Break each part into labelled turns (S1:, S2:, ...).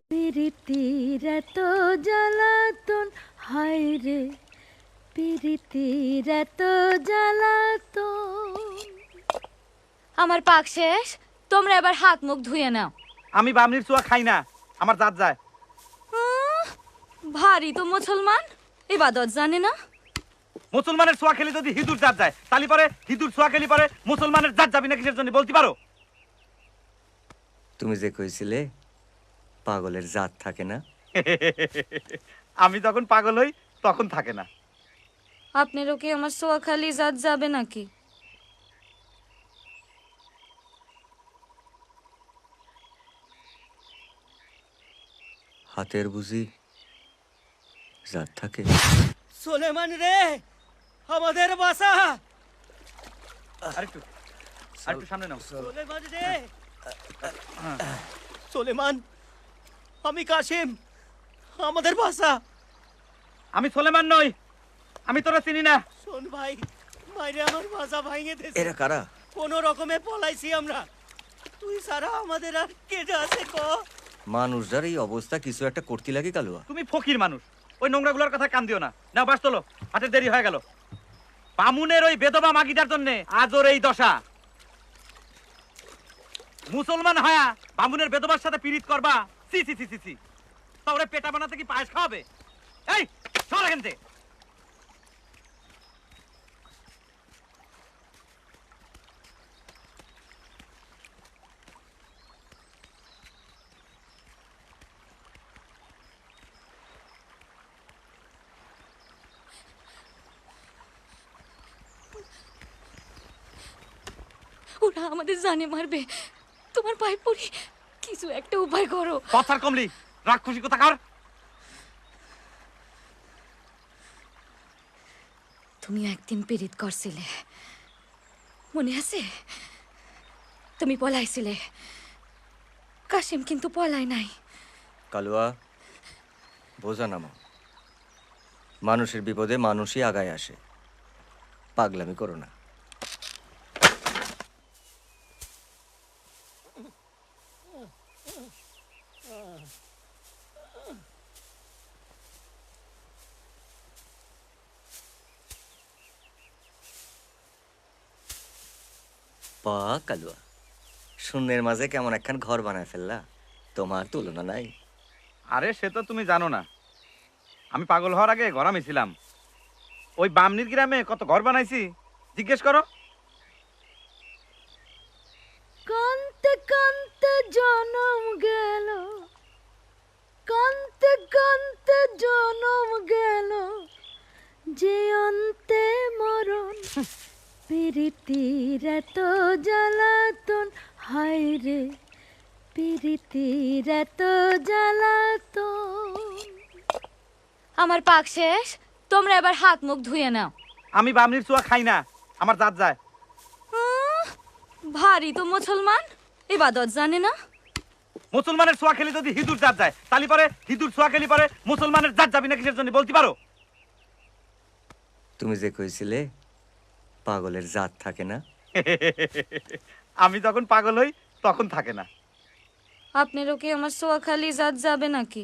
S1: পিরিতির এত জ্বালাতন, হায় রে পিরিতির এত জ্বালাতন।
S2: আমার পাক শেষ, তোমরা এবার হাত মুখ ধুয়ে নাও।
S3: আমি বামনির চুয়া খাই না, আমার জাত যায়।
S2: ভারী তো মুসলমান, ইবাদত জানে না।
S3: মুসলমানের ছোঁয়া খেলে যদি হিঁদুর জাত যায়, তালি পরে হিঁদুর ছোঁয়া খেলি পরে মুসলমানের জাত যাবি না কিসের জন্য বলতে পারো?
S4: তুমি যে কইছিলে পাগলের জাত থাকে না।
S3: আমি যখন পাগল হই তখন থাকে না।
S2: আপনারও কি আমার সোয়াখালি জাত যাবে নাকি?
S4: হাতের বুঝি জাত থাকে।
S5: সোলেমান রে, আমাদের বাসা।
S3: আরেকটু আরেকটু সামনে নাও।
S5: সোলেমান রে, সোলেমান, আমি কাশিম, আমাদের বাসা।
S3: আমি সোলেমান নই, আমি তোরা চিনি না।
S5: শোন ভাই, মাইরে আমার বাসা ভাঙে দিয়েছে।
S4: এরা কারা?
S5: কোন রকমে পলাইছি আমরা। তুই সারা আমাদের আর কে আছে ক?
S4: মানুষ যার এই অবস্থা কিছু একটা করতে লাগে কালুয়া।
S3: তুমি ফকির মানুষ, ওই নোংরাগুলোর কথা কান দিও না। নাও বাস তোলো, হাতের দেরি হয়ে গেল। বামুনের ওই বেদবা মাগিটার জন্য আজ ওর এই দশা। মুসলমান হয়া বামুনের বেদবার সাথে পীড়িত করবা? সি সি সি সি সি। তা ওরে পেটা বানাতে কি পায়েস খাওয়াবে? এই সর এখান থেকে।
S2: ওরা আমাদের জানে মারবে, তোমার পায়ে পড়ি কিছু একটা উপায় করো।
S3: কথার কমলি, রাগ খুশি কথা কার?
S2: তুমি একদিন পীড়িত করছিলে, মনে আছে? তুমি পলাইছিলে, কাশিম কিন্তু পলায় নাই।
S4: কালুয়া, বোঝা নামা। মানুষের বিপদে মানুষই আগায় আসে, পাগলামি করো না। পা কালুয়া, শূন্যের মাঝে কেমন একখান ঘর বানায় ফেললা, তোমার তুলনা নাই।
S3: আরে সে তো তুমি জানো না, আমি পাগল হওয়ার আগে ঘরামি ছিলাম। ওই বামনির গ্রামে কত ঘর বানাইছি জিজ্ঞেস করো।
S1: কান্তে কান্তে জনম গেল, কান্তে কান্তে জনম গেল, যে অন্তে মরণ। পিরিতির এত জ্বালাতন, হায় রে পিরিতির এত জ্বালাতন।
S2: আমার পাক শেষ, তোমরা এবার হাত মুখ ধুয়ে নাও।
S3: আমি বামনির চুয়া খাই না, আমার জাত যায়।
S2: ভারী তো মুসলমান, ইবাদত জানে না।
S3: মুসলমানের ছোঁয়া খেলে যদি হিঁদুর জাত যায়, তালি পরে হিঁদুর ছোঁয়া খেলি পরে মুসলমানের জাত যাবি না কিসের জন্য বলতে পারো?
S4: তুমি যে কইছিলে পাগলের জাত থাকে না।
S3: আমি যখন পাগল হই তখন থাকে না।
S2: আপনারও কি আমার সোয়াখালি জাত যাবে নাকি?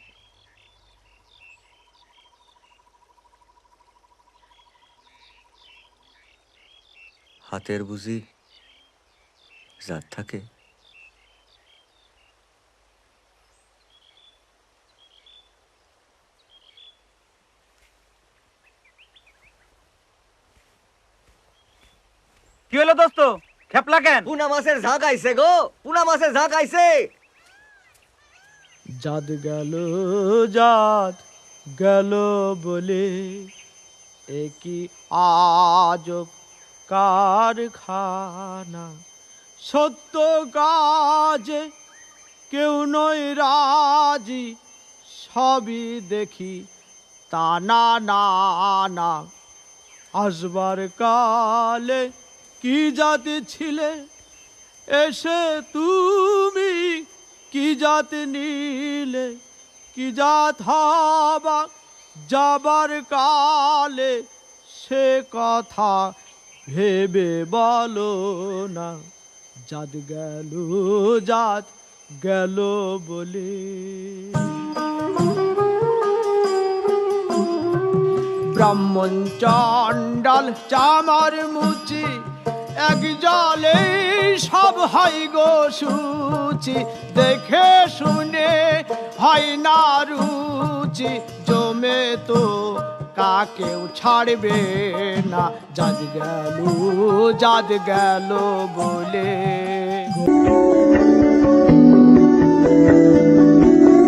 S4: হাতের বুঝি জাত থাকে।
S3: কি হলো দোস্ত, খেপলা কেন?
S4: পুনা মাছের ঝাঁক আইছে গো, পুনা মাছের ঝাঁক আইছে।
S5: জাত গেল, জাত গেল বলে একই আজব কারখানা। সত্য কাজে কেউ নয় রাজি, সবই দেখি তা না না না। আসবার কালে কি জাতি ছিলে, এসে তুমি কি জাত নিলে। কি জাত হবা যাবার কালে, সে কথা ভেবে বলো না। জাত গেল, জাত
S6: গেল বলে। ব্রাহ্মণ চণ্ডাল চামার মুচি এক জলে সব হয় গো সুচি, দেখে শুনে হয় না রুচি, জমে তো কাকেও ছাড়বে না, জাত গেল বলে।